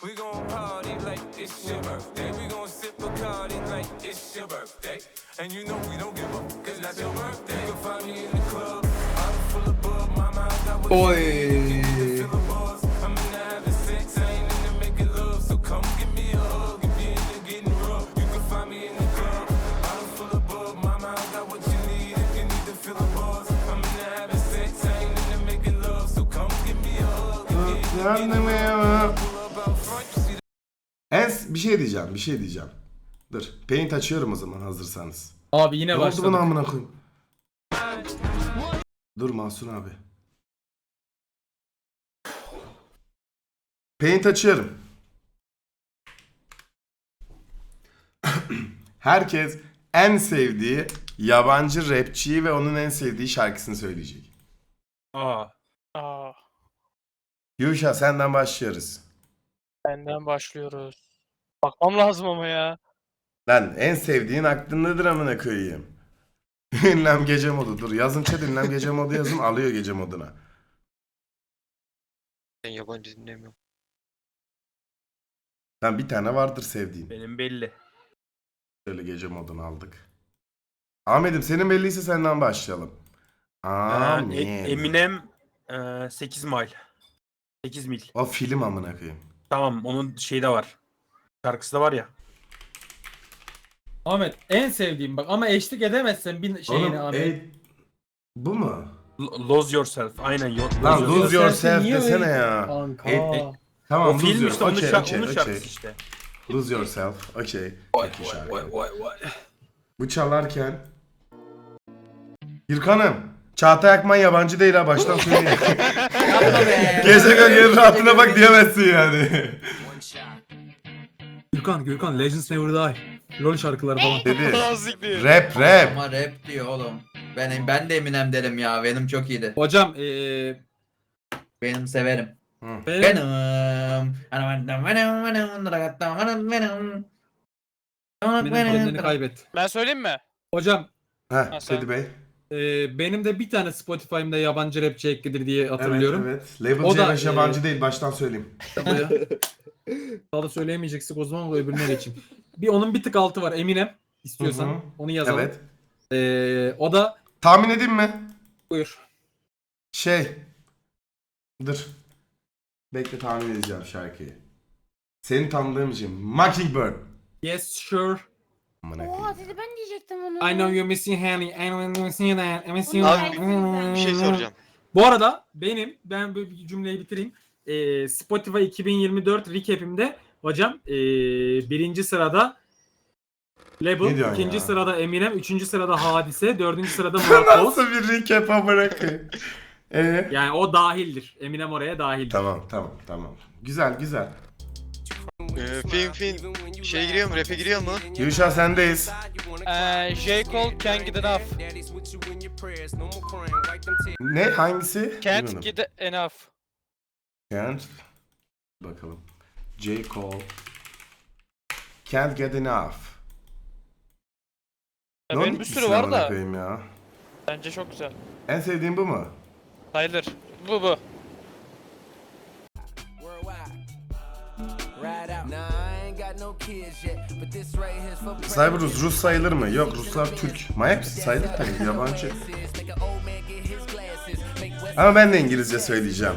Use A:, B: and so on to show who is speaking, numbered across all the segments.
A: We gon' party like it's your birthday. We gon' sip Bacardi like it's your birthday. And you know we don't give up, cause that's your birthday. You can find me in the club, I'm full of bug. My mind got what you need. Feel the buzz. I'm in the having sex, I ain't into making love. So come give me a hug if you're into getting rough. You can find me in the club, I'm full of bug. My mind got what you need if you need to feel the buzz. I'm in the having sex, I ain't into making love. So come give me a hug if you're into getting rough.
B: Bir şey diyeceğim. Dur. Paint açıyorum o zaman hazırsanız.
C: Abi yine
B: Ne oldu
C: başladık.
B: bana amına koyayım? Dur Mahsun abi. Paint açıyorum. Herkes en sevdiği yabancı rapçiyi ve onun en sevdiği şarkısını söyleyecek.
D: Aa.
B: Yuşa senden başlıyoruz.
E: Benden başlıyoruz. Bakmam lazım ama ya.
B: Lan en sevdiğin aklındadır amına koyayım. Ünlem gece modu. Dur yazın chat ünlem gece modu yazın alıyor gece moduna.
F: Ben yabancı dinlemiyorum.
B: Lan bir tane vardır sevdiğin.
D: Benim belli.
B: Şöyle gece modunu aldık. Ahmet'im senin belliyse senden başlayalım. Amin.
D: Eminem 8 mil. 8 mil.
B: O film amına koyayım.
D: Tamam onun şeyi de var. Şarkısı da var ya.
C: Ahmet en sevdiğim bak ama eşlik edemezsen bir şeyine
B: Oğlum,
C: Ahmet.
B: bu mu?
D: Lose Yourself. Aynen.
B: Lan
D: Lose
B: Lose
D: Yourself.
B: Yourself desene ya.
C: Kanka.
B: Tamam
D: O film
B: Lose
D: işte onun,
B: Yourself.
D: onun
B: Okey.
D: şarkısı işte.
B: Lose Yourself. Okey.
D: Vay
B: Çok iyi
D: vay
B: şarkı.
D: vay vay vay.
B: Bu çalarken Gürkan'ım Çağatay Akman yabancı değil ha baştan söyleyeyim. Gece gönül rahatına bak diyemezsin yani.
C: Gürkan Legends Never Die. LoL şarkıları falan.
B: Dedi.
E: Nazikli.
B: Rap.
G: Ama rap diyor oğlum. Ben de Eminem derim ya. Benim çok iyiydi.
C: Hocam
G: Benim severim.
B: Hı.
C: benim kendini kaybet.
E: Ben söyleyeyim mi?
C: Hocam
B: Heh,
E: sen-
B: Teddy Bey.
C: benim de bir tane Spotify'ımda yabancı rapçi eklidir diye hatırlıyorum.
B: Evet. Label
C: O da,
B: C5 yabancı değil baştan söyleyeyim.
C: Daha da söyleyemeyeceksek o zaman o öbürüne geçeyim. Onun bir tık altı var Eminem. İstiyorsan
B: Hı hı.
C: onu yazalım.
B: Evet.
C: O da
B: Tahmin edeyim mi?
C: buyur.
B: Dur. Bekle tahmin edeceğim şarkıyı. Seni tanıdığım için. Mockingbird.
C: Yes sure.
B: Amına
H: Oha
B: koyayım.
H: dedi ben diyecektim onu.
C: I know you're missing honey. I know you're missing that. I miss you.
F: Abi, bir şey soracağım.
C: Bu arada ben böyle bir cümleyi bitireyim. Spotify 2024 recap'imde hocam birinci sırada
B: Ne
C: Label,
B: diyorsun
C: ikinci
B: ya?
C: sırada Eminem, üçüncü sırada Hadise, dördüncü sırada Murat Boz.
B: Nasıl bir recap amına koyayım?
C: Yani o dahildir. Eminem oraya dahildir.
B: Tamam. Güzel.
F: Film şey giriyor mu? Rap'e giriyor mu?
B: Yuşa sendeyiz.
E: J. Cole Can't Get Enough.
B: Ne? Hangisi?
E: Can't
B: Bilmiyorum.
E: Get Enough.
B: Can't. Bakalım. J. Cole. Can't get enough.
E: Ya
B: Ne
E: benim
B: oldu
E: bir
B: ki
E: sürü
B: sana
E: var
B: amına
E: da.
B: koyayım ya?
E: Bence çok güzel.
B: En sevdiğin bu mu?
E: Sayılır. Bu.
B: Cyberus Rus sayılır mı? Yok Ruslar Türk. Manyak mısın? Sayılır tabii yabancı. Ama ben de İngilizce söyleyeceğim.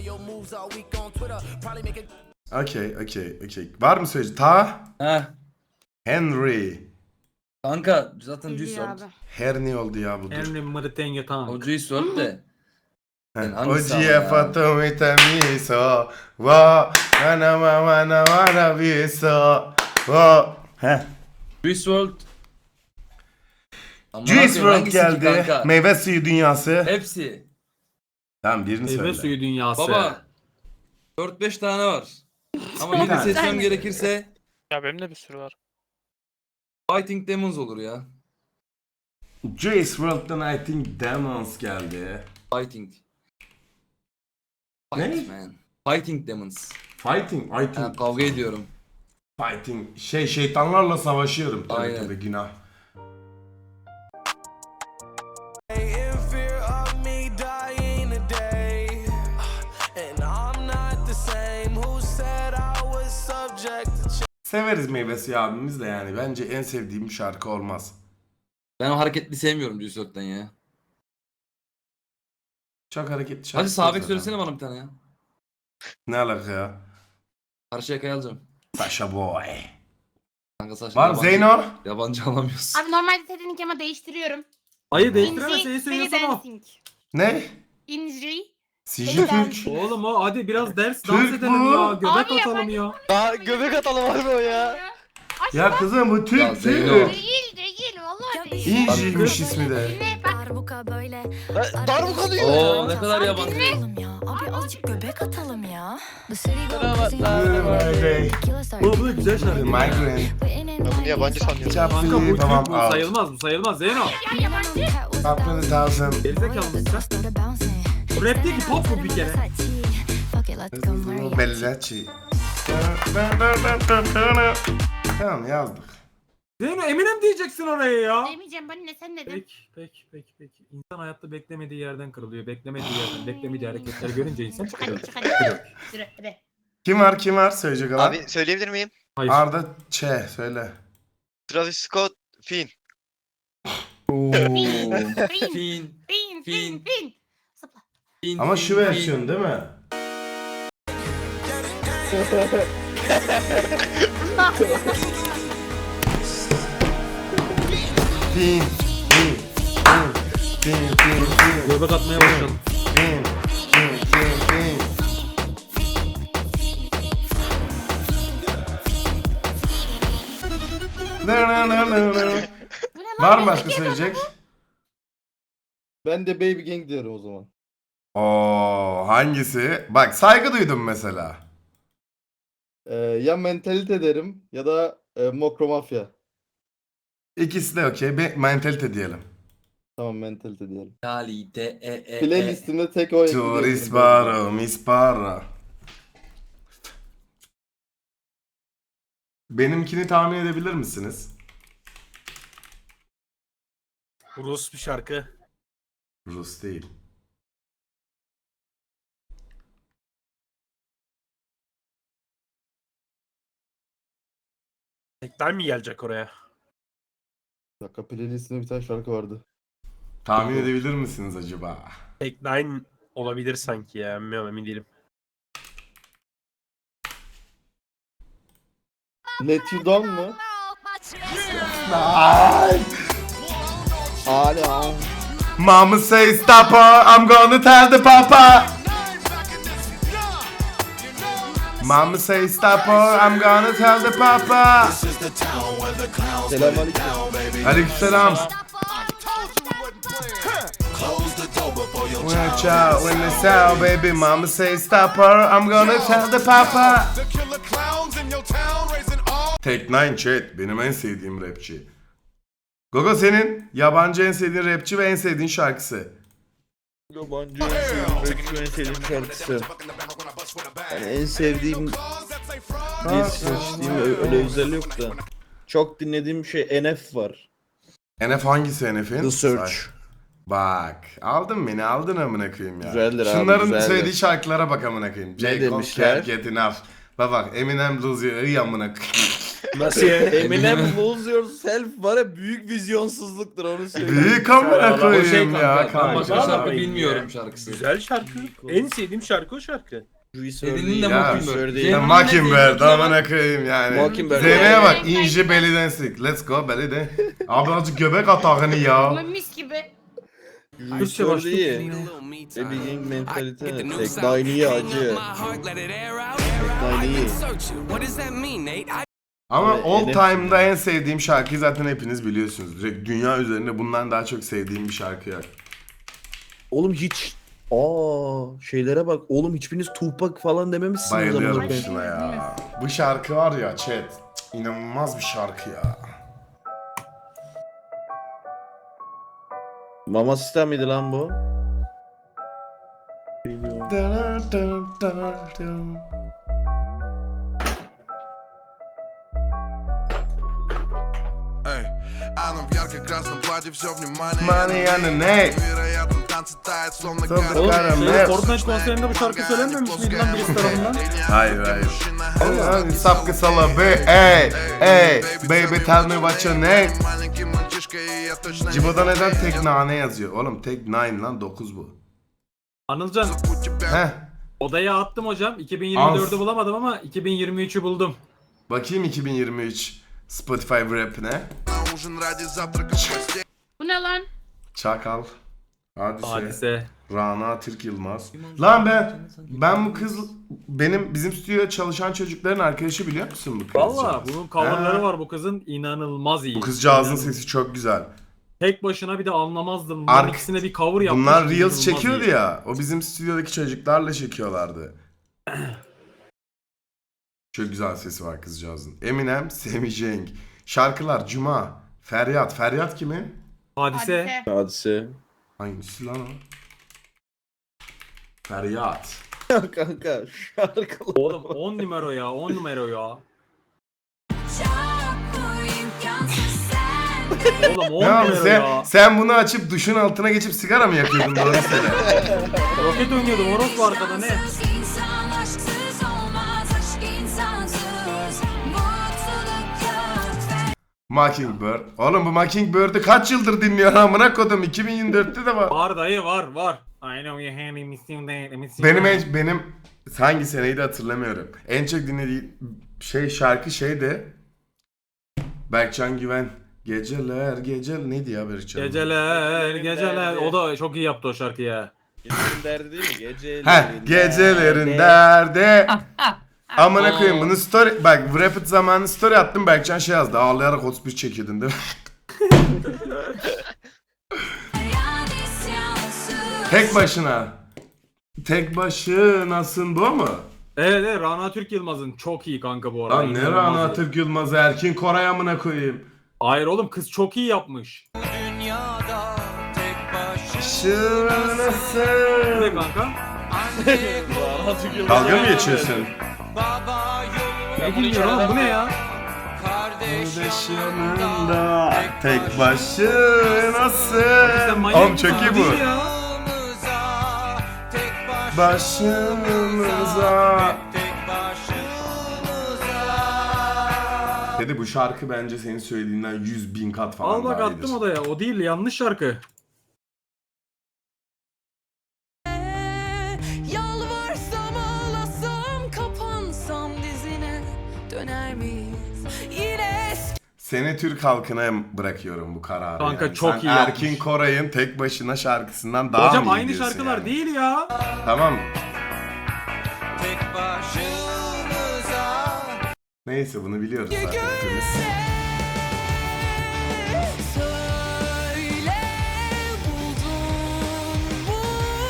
B: Okey. Var mı söyleyeceğim?
I: Heh.
B: Henry.
I: Kanka zaten Juice
H: Biliyor
I: WRLD.
H: abi.
B: Her ne oldu ya budur.
C: Eminem Mırtenge
I: O
C: Tank.
I: Juice WRLD de. Yani hangisi
B: Ojiye
I: ama ya?
B: fatomita miso. Wa mana wana biso. Wa. Heh.
I: Juice WRLD. Amına
B: Juice
I: koyayım,
B: WRLD
I: hangisi ki
B: geldi.
I: kanka?
B: Meyve suyu dünyası.
I: Hepsi.
B: Tamam birini
C: Meyve
B: söyle.
C: suyu dünyası.
I: Baba 4-5 tane var. Ama
B: Bir
I: birini
B: tane.
I: seçmem gerekirse
E: Ya benim de bir sürü var.
I: Fighting Demons olur ya.
B: Juice WRLD'dan I think Demons geldi.
I: Fighting.
B: Ne?
I: Fight man. Fighting Demons.
B: Fighting.
I: Ha, kavga ediyorum.
B: Fighting. Şeytanlarla savaşıyorum. Tabii
I: Aynen.
B: tabii günah.
A: In fear of me dying today, and I'm not the same. Who said I was
B: Severiz Meyvesi abimiz de yani. Bence en sevdiğim şarkı olmaz.
I: Ben o hareketli sevmiyorum Düzört'ten ya.
B: Çok hareketli şarkı.
I: Hadi Sabek
B: zaten.
I: söylesene bana bir tane ya.
B: Ne alaka ya?
I: Karşıyaka'yı alacağım.
B: Sasha Boy.
I: Kanka saçma.
B: Var mı Zeyno?
I: Yabancı alamıyorsun.
H: Abi normalde Teddy'nin ama değiştiriyorum.
C: Hayır değiştiremez.
H: İnci,
C: Seni
H: Belly
C: söylüyorsan o.
H: Dancing.
B: Ne?
H: İnci.
B: Siji Türk.
C: Oğlum o hadi biraz dans
B: Türk
C: edelim
B: bu.
C: ya. Göbek
H: Abi
C: atalım ya.
F: Daha göbek atalım abi o ya.
B: Ya kızım bu
I: Ya
B: Türk
I: Zeyno.
B: Türk.
H: Değil vallahi değil.
B: İnciymiş ismi de.
H: Ne bak.
J: Darbuka böyle.
F: Darbuka diyor.
I: Oo ne kadar yabancı.
J: Ya. Abi azıcık göbek atalım ya.
C: Bu güzel şarkı.
B: Migraine.
F: Ben bunu yabancı sanıyorum.
C: Kanka bu
B: Tamam,
C: Türk, bu
B: out.
C: sayılmaz, bu sayılmaz Zeyno.
B: Up to the thousand.
C: Gerizekalı mısın sen? Bu rap değil ki, pop bu bir kere.
B: Bellaci. Tamam yazdık.
C: Zeyno Eminem diyeceksin oraya ya.
H: Demeyeceğim bana ne sen dedin.
C: Peki. İnsan hayatta beklemediği yerden kırılıyor. Beklemediği yerden, beklemediği hareketleri görünce insan
H: Çık hadi
C: çıkıyor.
H: çık hadi. Yürü hadi.
B: Kim var söyleyecek olan?
F: Abi söyleyebilir miyim?
C: Hayır.
B: Arda Ç söyle.
F: Travis Scott, Finn.
H: Fin.
I: Fin.
H: Fin. Zıpla.
I: Fin.
B: Ama şu versiyon değil mi? Fin.
C: Göbek atmaya başladım.
B: Fin.
H: Bu ne lan?
B: Var mı başka söyleyecek?
K: Ben de Baby Gang diyorum o zaman.
B: Oo, hangisi? Bak saygı duydum mesela.
K: Ya Mentalite derim ya da Mokro Mafya.
B: İkisi de okey. Mentalite diyelim.
K: Tamam Mentalite diyelim.
I: Kalite
K: Playlistimde tek o
B: Tourist baro, mispara. Benimkini tahmin edebilir misiniz?
D: Rus bir şarkı.
B: Rus değil.
D: Tekrar mi gelecek oraya?
K: Bir dakika playlistimde bir tane şarkı vardı.
B: Tahmin edebilir misiniz acaba?
D: Tek Nine olabilir sanki ya. Bilmiyorum, emin değilim.
K: Let You Down mu? Hala.
B: Mama say stop her, I'm gonna tell the papa. Mama say stop her, I'm gonna tell the papa.
K: Selamünaleyküm.
B: Aleykümselam. Watch out when it's out, baby. Mama say stop her, I'm gonna tell the papa. Tek Nine Chat benim en sevdiğim rapçi. Gogo senin yabancı en sevdiğin rapçi ve en sevdiğin şarkısı.
K: Yabancı en sevdiğim şarkısı. Yani en sevdiğim bir seçtiğim öyle özel yok da. Çok dinlediğim şey NF var.
B: NF hangisi NF'in?
K: The Search.
B: Bak aldın beni aldın amına koyayım ya.
K: Güzeldir abi,
B: Şunların
K: güzeldir.
B: söylediği şarkılara bak amına koyayım. J. Cole,
K: demişler?
B: Can't Get Enough. Bak Eminem Lose Your Ey amına koyayım.
K: Nasıl ya? Eminem Lose Yourself var ya büyük vizyonsuzluktur onu söyleyeyim.
B: Büyük amına
I: O
B: koyayım
I: şey
B: ya
I: kanka.
B: kanka.
I: Başka şarkı
D: Abi,
I: bilmiyorum
D: ya.
I: şarkısı.
D: Güzel şarkı. En sevdiğim şarkı o şarkı.
I: Dediğinin de
B: Ya,
I: Mockingbird.
B: Ya
I: Zeynep'in
B: Mockingbird
I: de
B: amına koyayım yani.
K: Mockingbird.
B: Zeynep'e bak ince belly dancing. Let's go belly dance. Abi azıcık göbek atağını ya.
H: Ama mis gibi.
C: Türkçe başlık.
K: iyi. Baby Gang mentalite. Tek Nine iyi acı. Tek Nine iyi.
B: Ama
K: Evet,
B: all
K: NF.
B: time'da en sevdiğim şarkıyı zaten hepiniz biliyorsunuz. Direkt dünya üzerinde bundan daha çok sevdiğim bir şarkı yok.
K: Oğlum hiç şeylere bak. Oğlum hiçbiriniz Tupac falan dememişsiniz.
B: Bayılıyorum
K: amına koyayım.
B: şuna ya. Bu şarkı var ya chat. Cık, İnanılmaz bir şarkı ya.
K: Mama System miydi lan bu?
A: Эй, она в ярко-красном платье, все внимание
B: Money on the neck.
A: Невероятно
C: Fortnite konserinde bu şarkı söylenmemiş miydi lan birisi tarafından?
B: Hayır hayır. Allah'ım sapkı sala be ey baby tell me what your name. Cibo'da neden tek nane yazıyor? Oğlum tek 9 lan 9 bu.
C: Anılcan
B: Heh.
C: odaya attım hocam. 2024'ü bulamadım ama 2023'ü buldum.
B: Bakayım 2023 Spotify rap'ine.
H: Bu ne lan?
B: Çakal. Hadise.
C: Hadise.
B: Rana Türk Yılmaz. Lan ben bu kız bizim stüdyoda çalışan çocukların arkadaşı biliyor musun bu kız?
C: Valla bunun coverları
B: Ha.
C: var bu kızın inanılmaz iyi.
B: Bu kızcağızın
C: İnanılmaz.
B: sesi çok güzel.
C: Tek başına bir de anlamazdım. Bunların ikisine bir cover yapmış.
B: Bunlar Reels
C: inanılmaz
B: çekiyordu
C: iyi.
B: ya. O bizim stüdyodaki çocuklarla çekiyorlardı. Çok güzel sesi var kızcağızın. Eminem, Semi Cenk. Şarkılar Cuma. Feryat. Feryat kimin?
C: Hadise.
K: Hadise.
B: Hangisi lan o? Feryat.
K: Kanka şarkılar.
C: Oğlum 10 numara ya 10 numara ya. Oğlum 10
B: Ne abi
C: numara ya.
B: sen bunu açıp duşun altına geçip sigara mı yakıyordun doğru söyle.
C: Roket oynuyordum orospu arkada ne?
B: Mockingbird. Oğlum bu Mockingbird'ü kaç yıldır dinliyor amına kodum 2024'te de var.
C: Var dayı var. I know you had me missing that. Missing that.
B: Benim hangi seneydi hatırlamıyorum. En çok dinlediğim şarkı şeydi. Berkcan Güven. Geceler neydi ya Berkcan?
C: Geceler. O da çok iyi yaptı o şarkıyı ya.
K: Gecelerin derdi değil mi? Gecelerin
B: Gecelerin derdi. Amına koyayım bunu story bak Rapid zamanı story attım Berkcan şey yazdı ağlayarak 31 çekiyordun değil mi? Tek başınasın bu mu?
C: Evet Rana Türk Yılmaz'ın çok iyi kanka bu arada.
B: Lan ne
C: İnanılmaz
B: Rana
C: iyi.
B: Türk Yılmaz'ı Erkin Koray amına koyayım.
C: Hayır oğlum kız çok iyi yapmış.
B: Başınasın.
C: Ne kanka?
B: Dalga mı geçiyorsun?
C: Ne dinliyor oğlum bu ne ya?
B: Yanında tek başınasın.
C: Sen manyak
B: Oğlum
C: mısın?
B: çok iyi
C: Değil
B: bu.
C: ya.
B: Başımıza. Dedi bu şarkı bence senin söylediğinden 100.000 kat falan
C: Al bak
B: daha
C: attım
B: iyidir.
C: odaya. O değil yanlış şarkı.
J: Yalvarsam ağlasam kapansam dizine döner miyiz? Yine
B: Seni Türk halkına bırakıyorum bu kararı.
C: Kanka
B: yani.
C: çok
B: Sen
C: iyi
B: Erkin
C: yapmış.
B: Koray'ın tek başına şarkısından daha
C: Hocam
B: mı iyi
C: aynı
B: diyorsun
C: şarkılar
B: yani?
C: değil ya.
B: Tamam. Neyse bunu biliyoruz zaten hepimiz.
J: söyle buldun mu?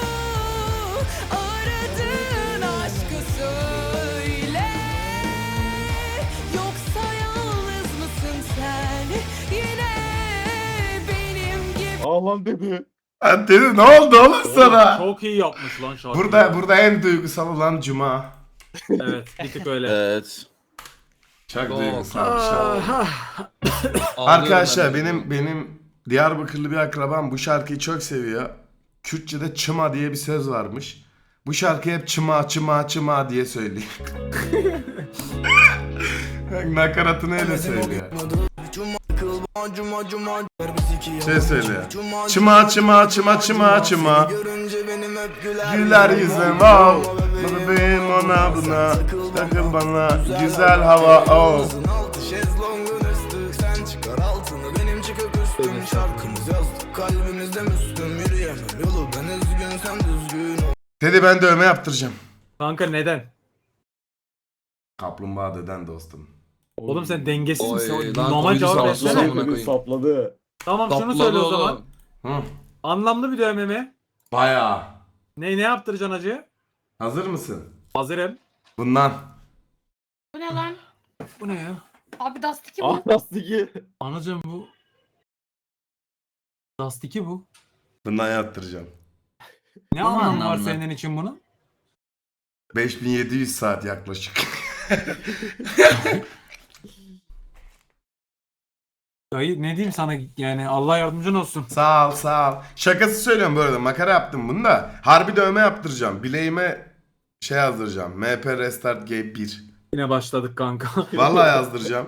J: Aradığın aşkı söyle. Yoksa yalnız mısın sen? Yine benim gibi.
K: Ağlan dedi.
B: Ha, dedi ne oldu oğlum sana?
C: Çok iyi yapmış lan şarkıyı.
B: Burada en duygusal olan Cuma.
C: Evet bir tık öyle.
K: Evet.
B: Çok
I: Yok.
B: duygusal bir şarkı.
I: Ağlıyorum
B: Arkadaşlar
I: ben de.
B: benim Diyarbakırlı bir akrabam bu şarkıyı çok seviyor. Kürtçe'de çıma diye bir söz varmış. Bu şarkıyı hep çıma diye söylüyor. Nakaratını öyle söylüyor. Şey söylüyor. Çıma. Güler yüzüm oh. Bebeğim ona buna. Takıl bana güzel hava oh. Dedi ben dövme yaptıracağım.
C: Kanka neden?
B: Kaplumbağa deden dostum.
C: Oğlum sen dengesiz
I: Oy,
C: misin?
I: lan
C: Normal
I: koydu
C: cevap
I: sağ
C: versene.
I: olsun amına koyayım.
K: Sapladı.
C: Tamam şunu
I: Sapladı
C: söyle o
I: oğlum.
C: zaman.
B: Hı.
C: Anlamlı bir dövme mi?
B: Bayağı.
C: Ne yaptıracaksın hacı?
B: Hazır mısın?
C: Hazırım.
B: Bundan.
H: Bu ne lan?
C: Bu ne ya?
H: Abi Dust 2 bu.
K: Lastiki.
C: Anacığım bu. Dust 2 bu.
B: Bundan yaptıracağım.
C: Ne
I: Aman
C: anlamı var
I: Allah'ım.
C: senin için bunun?
B: 5700 saat yaklaşık.
C: Dayı ne diyeyim sana, yani Allah yardımcın olsun.
B: Sağ ol sağ ol. Şakası söylüyorum bu arada, makara yaptım bunu da. Harbi dövme yaptıracağım. Bileğime şey yazdıracağım. MP Restart Game 1.
C: Yine başladık kanka.
B: Vallahi yazdıracağım.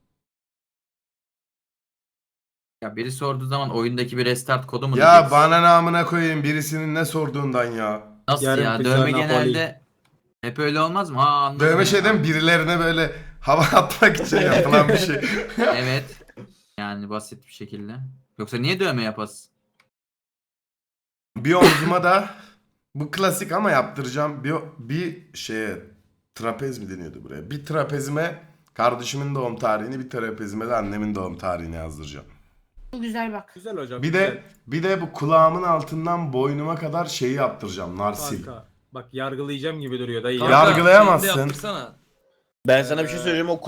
G: Ya biri sorduğu zaman oyundaki bir restart kodu mu
B: Ya
G: diyeceksin?
B: bana namına koyayım birisinin ne sorduğundan ya.
G: Nasıl
C: Yarın
G: ya?
C: pizza,
G: Dövme
C: Napoli.
G: genelde hep öyle olmaz mı? Ha, anladım
B: Dövme
G: ya.
B: şeyden birilerine böyle hava atmak için yapılan bir şey.
G: Evet. Yani basit bir şekilde. Yoksa niye dövme yapasın?
B: Bir omzuma da bu klasik ama yaptıracağım bir şeye, trapez mi deniyordu buraya? Bir trapezime kardeşimin doğum tarihini, bir trapezime de annemin doğum tarihini yazdıracağım.
H: Bu güzel bak.
C: Güzel hocam.
B: Bir de bu kulağımın altından boynuma kadar şeyi yaptıracağım. Narsil.
C: Kanka. Bak yargılayacağım gibi duruyor dayı.
B: Kanka, yargılayamazsın.
I: Şey de yaptırsana.
K: Ben sana bir şey söyleyeyim, o